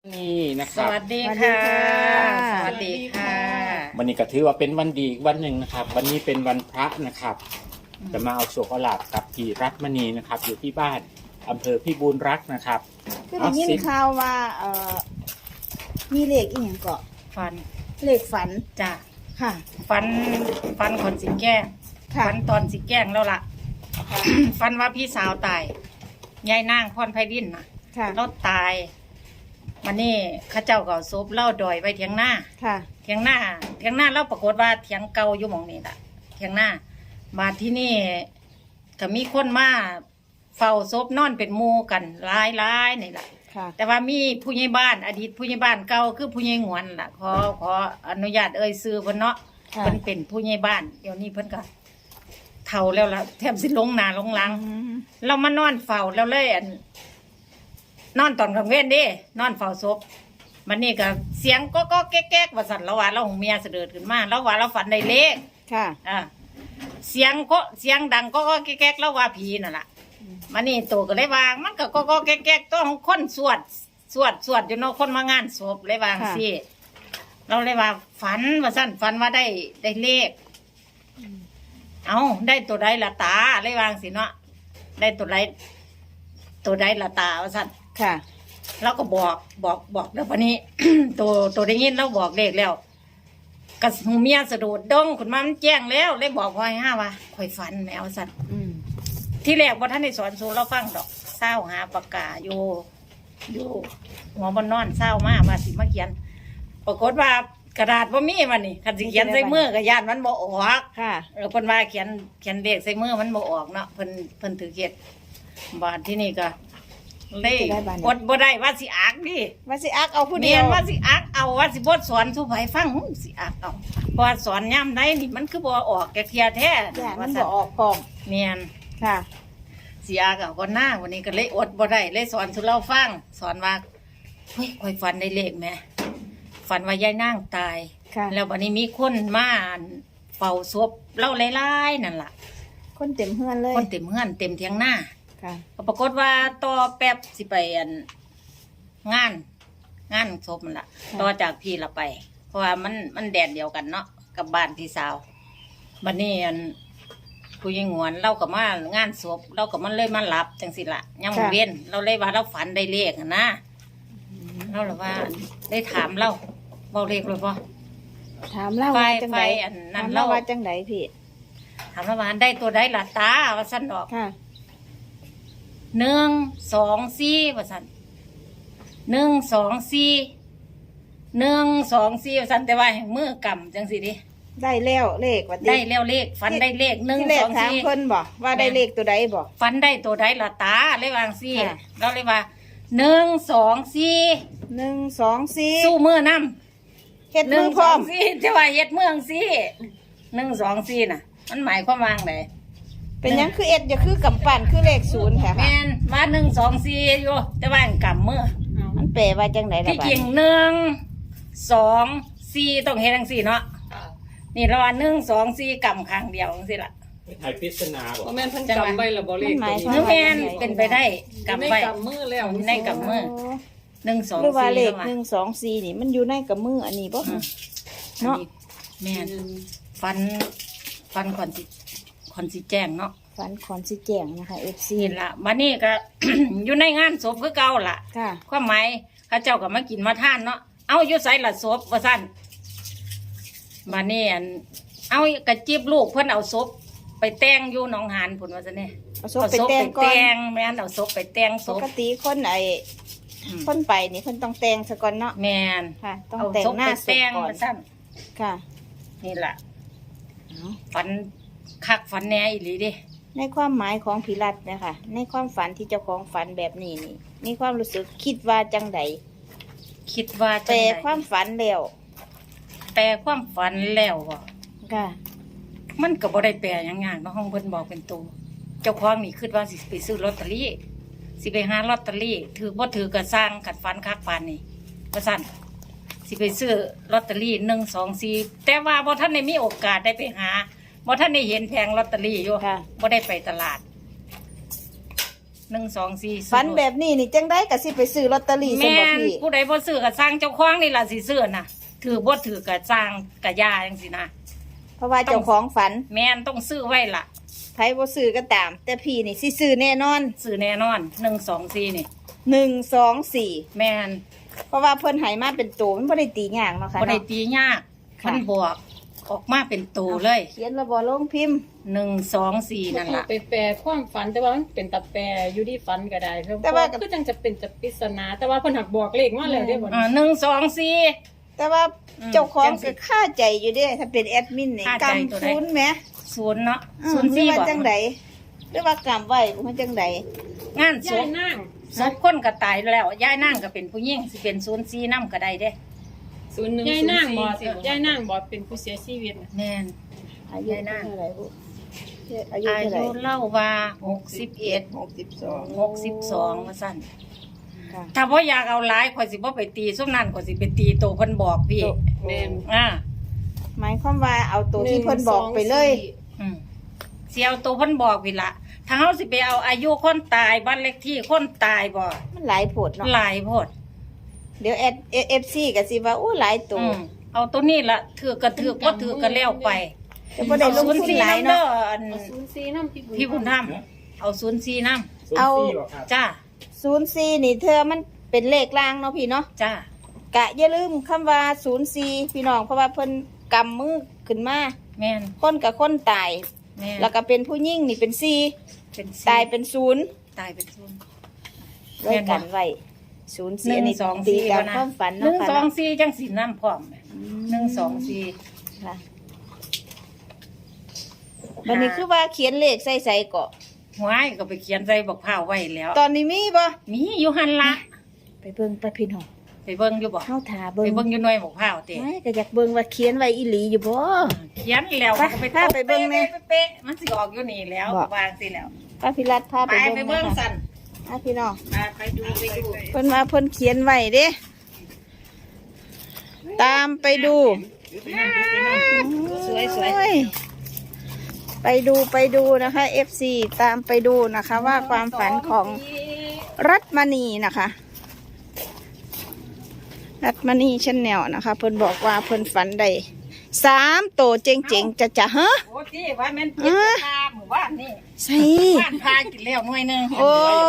นี่นะคสรับวัสดีค่ะสสวัวัสสดีดีค่ะค่ะวันนี้ก็ถือว่าเป็นวันดีอีกวันหนึ่งนะครับ วันนี้เป็นวันพระนะครับ จะมาเอาโชคเอาลาภกับพี่รัตมณีนะครับ อยู่ที่บ้านอำเภอพิบูลรักษ์นะครับคือได้ยินข่าวว่ามีเลขอีหยังเกาะฟันเลขฝันจ้ะค่ะฟันคนสิแกล้งค่ะฟันตอนสิแกล้งแล้วล่ะ ฟันว่าพี่สาวตายยายนางพรไพรินน่ะค่ะเราตายวันนี้เข้าเจ้าก็เอาศพเล่าดอยไว้เถียงหน้าค่ะเถียงหน้าเราปรากฏว่าเถียงเก่าอยู่หมองนี้ล่ะเถียงหน้ามาที่นี่ก็มีคนมาเฝ้าศพนอนเป็นหมู่กันหลายนี่ล่ะค่ะแต่ว่ามีผู้ใหญ่บ้านอดีตผู้ใหญ่บ้านเก่าคือผู้ใหญ่หงวนล่ะขออนุญาตเอ่ยชื่อเพิ่นเนาะค่ะเพิ่นเป็นผู้ใหญ่บ้านเดี๋ยวนี้เพิ่นก็เฒ่าแล้วล่ะแทบสิลงหน้าลงหลังอืมเรามานอนเฝ้าแล้วเลยนอนตอนกลางเว้นเด้นอนเฝ้าศพมันนี่ก็เสียงก็แก๊กๆว่าสั่นเราว่าเราของเมียเสด็จขึ้นมาเราว่าเราฝันได้เลขค่ะเสียงดังก็แก๊กๆแล้วว่าผีนั่นล่ะมันนี่ตัวก็เลยว่ามันก็แก๊กๆต้องคนสวดอยู่เนาะคนมางานศพเลยวาจั่งสิเราเลยว่าฝันว่าสั่นฝันว่าได้เลขเอาได้ตัวใดละตาเลยวาจั่งสิเนาะได้ตัวใดละตาว่าสั่นค่ะเราก็บอกแล้ววันนี้ ตัวได้ยินเราบอกเลขแล้วกับหูเมียสะดุดดงคุณมามันแจ้งแล้วเลยบอกพ่อให้ห้าว่าข่อยฝันแมวสั่นอืมที่แรกว่าท่านได้สอนสูเราฟังดอกเศร้าหาปากกาอยู่หัวบนนอนเศร้ามากมาสิมาเขียน ปรากฏว่ากระดาษว่ามีมันนี่คันสิเขียนใส่มือกระยานมันบ่ออกค่ะเพิ่นว่าเขียนเลขใส่มือมันบ่ออกเนาะเพิ่นถือเขียนบาทที่นี่ก็เลยอดบ่ได้ว่าสิอักดิว่าสิอักเอาผู้เดีเดียยวว่าสิอักเอาว่าสิบดสอนสุไผฟังสิอักเอาเพราะว่าสอนย่ำได้นี่มันคือบ่ออกแกเทียแท้อย่ามัว่านบ่ออกพร้อมเมียนค่ะสิอักเอาก็หน้าวันนี้ก็เลยอดบ่ได้เลยสอนสุเราฟังสอนว่าเฮ้ยคอยฝันได้เลขแหม่ฝันว่ายายนางตายค่ะแล้ววันนี้มีคนมาเฝ้าศพเล่าหลายๆนั่นล่ะคนเต็มเฮือนเลยคนเต็มเฮือนเต็มเทียงหน้าค่ะก็ปรากฏว่าต่อแป๊บสิไปงานศพมันละต่อจากพี่ละไป เพราะว่ามันแดดเดียวกันเนาะกับบ้านพี่สาวบัดนี้ผู้ยิงหวนเรากับมางานศพเรากับมันเลยมาหลับจังสิละยังบ่เว้นเราเลยว่าเราฝันได้เลขอะนะเราเลยว่าได้ถามเราเบาเลขเลยป่ถามเล่าไฟว่าจังไดอันนั้นถามเล่าเล่าว่าจังไดพี่ถามเราว่าได้ตัวใดล่ะตาว่าสั้นดอกค่ะ 1 2 4ว่าสั้น1 2 4ว่าสั้นแต่ว่าแห่งมือกำจังสิดิได้แล้วเลขว่าติได้แล้วเลขฝันได้เลขหนึ่งที่แรสกองถามสี่เพิ่นบ่ว่าได้เลขตัวใดบ่ฝันได้ตัวใดละตาเลยวางสี่ค่ะเราเลยว่า1 2 4 1 2 4 สู้มือน้ำเฮ็ดมือพร้อม 1 2 4จะว่าเฮ็ดเมืองสี่1 2 4น่ะ มันหมายความว่าไงเป็นหยังคือเอ็ดอย่าคือกำปั้นคือเลขศูนย์ค่ะแม่นว่า1 2 4อยู่แต่ว่าอันกำมือมันแปลว่าจังไดล่ะที่บัดจริง1 2 4ต้องเฮ็ดจังสี่เนาะนี่เราว่า1 2 4กำครั้งเดียวจังซี่ล่ะไทยพิศนาบอกบ่แม่นเพิ่นกำไว้แล้วบ่เลขมันหมายความนึกแม่นเป็นไปได้กำกำไว้ไว้กำมือแล้วในกำมือ 1 2 หรือว่าเลข 4 1 2 4นี่มันอยู่ในกับมืออันนี้บ่เนาะเนาะแม่นฟันก่อนสิแจ้งเนาะฝันขอนสิแจ้งนะคะ FC นี่ล่ะบัดนี้ก็ อยู่ในงานศพคือเก่าล่ะค่ะความหมายเขาเจ้าก็มากินมาทานเนาะเอาอยู่ไสละศพว่าซั่นบัดนี้เอากระจิบลูกเพิ่นเอาศพไปแต่งอยู่หนองหานพุ่นว่าซั่นนี่เอาศพไปแต่งก่อนแม่นเอาศพไปแต่งศปพกติคนคนไปนี่เพิ่นต้องแต่งซะก่อนเนาะแม่นค่ะ ต้องเอาแต่งศพหน้าไปศพแต่งก่อนว่าซั่นค่ะนี่ล่ะเอาฝันคักฝันแหน่อีหลีเด้ในความหมายของพิรัตน์เนะคะในความฝันที่เจ้าของฝันแบบนี้นี่มีความรู้สึกคิดว่าจังใดคิดว่าแต่จังใดความฝันแล้วแปลความฝันแล้วบ่ค่ะมันก็บ่ได้แปลหยังยากเนาะห้องเพิ่นบอกเป็นตัวเจ้าของนี่คิดว่าสิไปซื้อลอตเตอรี่สิไปหาลอตเตอรี่ถือบ่ถือก็สร้างกัดฟันคักปานนี่ว่าซั่นสิไปซื้อลอตเตอรี่1 2 4แต่ว่าบ่ทันได้มีโอกาสได้ไปหาบ่ทันได้เห็นแผงลอตเตอรี่อยู่ค่ะบ่ได้ไปตลาด 124 ฝันแบบนี้นี่จังได้ก็สิไปซื้อลอตเตอรี่ซั่นแม่บ่นพี่ผู้ใดบ่ซื้อก็สร้างเจ้าของนี่ล่ะสิซื้อน่ะถือบ่ถือก็สร้างก็ย่าจังซี่นะเพราะว่าเจ้าของฝันแม่นต้องซื้อไว้ล่ะไผบ่ซื้อก็ตาม แต่พี่นี่สิซื้อแน่นอนซื้อแน่นอน124นี่ 124 แม่นเพราะว่าเพิ่นให้มาเป็นโตมันบ่ได้ตียากเนาะค่ะบ่ได้เนาะตียากค่ะมันบอกออกมาเป็นตัวเลยเขียนแล้วบ่ลงพิมพ์ 124นั่นล่ะไปแปลความฝันแต่ว่ามันเป็นตัดแปลอยู่ที่ฝันก็ได้เพราะแต่ว่าคือจังจะเป็นจะปริศนาแต่ว่าเพิ่นหักบอกเลขมาแล้วเด้บ่ 124 แต่ว่าอืมเจ้าของจังสิก็ค่าใจอยู่เด้ถ้าเป็นแอดมินนี่ค่าใจตัวใดกำศูนย์แหม 0เนาะหรือว่า 04 จังไดหรือว่ากำไว้บ่จังไดงานศยายพนั่งศพคนก็ตายแล้วยายนางก็เป็นผู้หญิงสิเป็น04นำก็ได้เด้ยายนั่งบ่ยายนั่งบ่เป็นผู้เสียชีวิตน่ะแม่นอายุยายนางเท่าไหร่ลูกอายุอาเท่าไหร่ยุเล่าว่า61 62ว่าซั่นค่ะถ้าบ่อยากเอาหลายข่อยสิบ่ไปตีซุมนั้นข่อยสิไปตีโตเพิ่นบอกพี่แม่นอ่าหมายความว่าเอาตัวที่เพิ่นบอกไปเลยอืมสิเอาโตเพิ่นบอกพี่ละถ้าเฮาสิไปเอาอายุคนตายบ้านเลขที่คนตายบ่มันหลายโพดเนาะหลายโพดเดี๋ยวFC ก็สิว่าอู้หลายตัวเอาตัวนี้ละถือก็ถือบ่ถือก็แล้วไปจะบ่ได้ลงทุนหลายเด้เนาะออันเอา04นำพี่บุญธรรมเอา04นำเอาจ้า 04นี่เธอมันเป็นเลขล่างเนาะพี่เนาะจ้ากะอย่าลืมคำว่า04พี่น้องเพราะว่าเพิ่นกำมือขึ้นมาแม่นคนกับคนตายแม่นแล้วก็เป็นผู้หญิงนี่เป็น4 เป็นตายเป็น0 ตายเป็นศูนย์ไว้กันไว้04อันนี้ตีตามความฝันเนาะค่ะเนาะ 124จังสินำพร้อม124 ค่ะวันนี้คือว่าเขียนเลขใส่ๆเกาะหวยก็ไปเขียนใส่บักพร้าวไว้แล้วตอนนี้มีบ่มีอยู่หั่นละไปเบิ่งไปพี่น้องไปเบิ่งอยู่บ่เฮาถาไปเบิ่งเบิ่งอยู่หน่วยบักพร้าวเต้ไม่ก็อยากเบิ่งว่าเขียนไว้อีหลีอยู่บ่เขียนแล้วไปก็ไปพาไปเบิ่งแน่เป๊ะๆมันสิออกอยู่นี่แล้วบ่วางสิแล้วป้าพิรัตพาไปไปไปเบิ่เบิ่งงนะคะสั่นพี่น้องไปดูไปดูเพิ่นว่าเพิ่นเขียนไว้เด้ตามไปดูสวยสวยโอ้ไปดูนะคะ FC ตามไปดูนะคะ ว่าความฝันของรัตมณีนะคะ รัตมณีชแนลนะคะ เพิ่นบอกว่าเพิ่นฝันได้3โตเจ๋งๆจะฮะโอ้ที่ว่าแม่นเจ็บตาหมู่บ้านนี่ใส่บ้านพากินแล้วหน่วยหนึงโอ้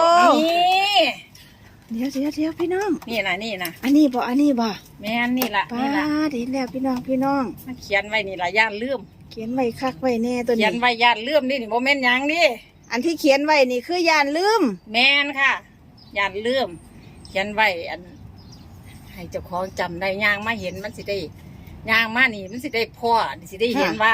นี่เดี๋ยวพี่น้องนี่นะนี่นะอันนี้บ่แม่นนี่ล่ะป้านี่ล่ะดีแล้วพี่น้องมันเขียนไว้นี่ล่ะย่านลืมเขียนไว้คักไว้แน่ตัวเขียนี้นไว้ย่านลืมนี่บ่แม่นหยังนี่อันที่เขียนไว้นี่คือยานลืมแม่นค่ะย่านลืมเขียนไว้อัน ให้เจ้าของจำได้ย่างมาเห็นมันสิได้ย่างมานี่มันสิได้พ่อสิได้เห็นว่า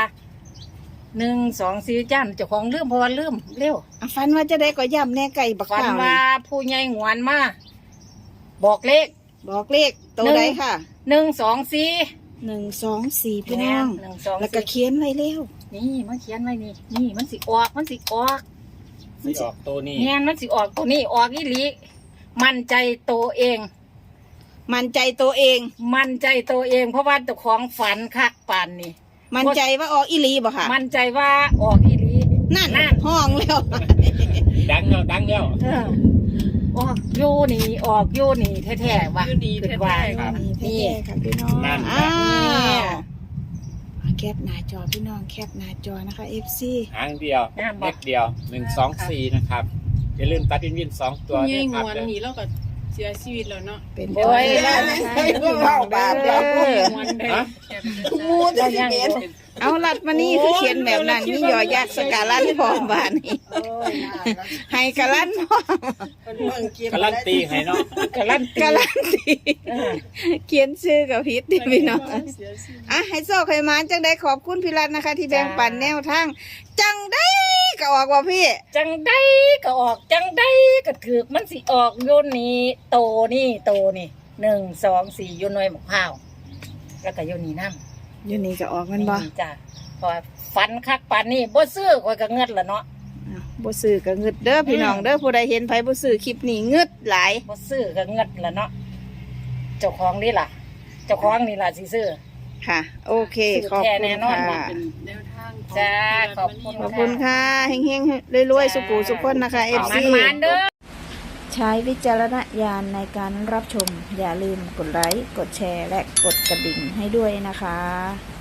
1 2 4จ้านเจ้าของลืมเพราะว่าลืมเร็วอ่ะฝันว่าจะได้ก็ย่ำแน่ไก่บักฝันข้าวว่านี่ผู้ใหญ่หวนมาบอกเลขบอกเลขตัวใดค่ะ 1 2 4 124พี่น้อง 1 2 แล้วก็เขียนไว้แล้วนี่มันเขียนไว้นี่นี่มันสิออกมันสิออกสิออกตัวนี้แม่นมันสิออกตัวนี้ออกอีหลีมั่นใจตัวเองมั่นใจตัวเองมั่นใจตัวเอง เพราะว่าเจ้าของฝันคักปานนี่มั่นใจว่าออกอีหลีบ่ค่ะมั่นใจว่าออกอีหลีนั่นนั่นห้องแล้วดังแล้วเออออกอยู่นี่ออกอยู่นี่แท้ๆว่ะอยู่ดีคิดแท้ว่าครับนี่แท้ๆค่ะพี่น้องนั่นอ้าเนี่วย แคปหน้าจอพี่น้องแคปหน้าจอนะคะ FC หางเดียวเม็ดเดียว124นะครับอย่าลืมตัดวิน2ตัวคุณด้ยาวย ยงครับวนหนีแล้วก็เสียชีวิตแล้วเนาะเป็นโอ้ยแล้วนะคะพี่น้องบาปแล้ววันได้ฮะเรายังอยู่เอาลัดมานี่คือเขียนแบบนั้นนี่ยอยักษ์สกาลันพร้อมบ้านนี่ให้กะลันพร้อมการันตีให้เนาะการันตีกะลันตีเออเขียนชื่อกับพิษดิพี่น้องอ่ะให้โซ่ไขมานจังได้ขอบคุณพี่รัตน์นะคะ ที่แบ่งปันแนวทางจังได้ก็ออกว่าพี่จังได้ก็ออกจังได้ก็ถือมันสิออกโยนนี้โตนี่1 2 4อยู่หน่วยหมกพร้าวแล้วก็โยนนี่น้ำอยู่นี่ก็ออกมันบ่จ้ะเพราะว่าฝันคักปานนี้บ่ซื้อข่อยก็เงิดละเนาะอ้าวบ่ซื้อก็เงึดเด้อพี่น้องเด้อผู้ใดเห็นไผบ่ซื้อคลิปนี้เงึดหลายบ่ซื้อก็เงิดละเนาะเจ้าของนี่ล่ะ เจ้าของนี่ล่ะสิซื้อค่ะ โอเคซื้อขอบแท้คุณแน่นอนค่ะเป็นแนวทางของจ้าขอบคุณขอบคุณค่ะเฮงๆรวยๆสุขุสุขคนนะคะมัน FC มันๆเด้อใช้วิจารณญาณในการรับชม อย่าลืมกดไลค์ กดแชร์ และกดกระดิ่งให้ด้วยนะคะ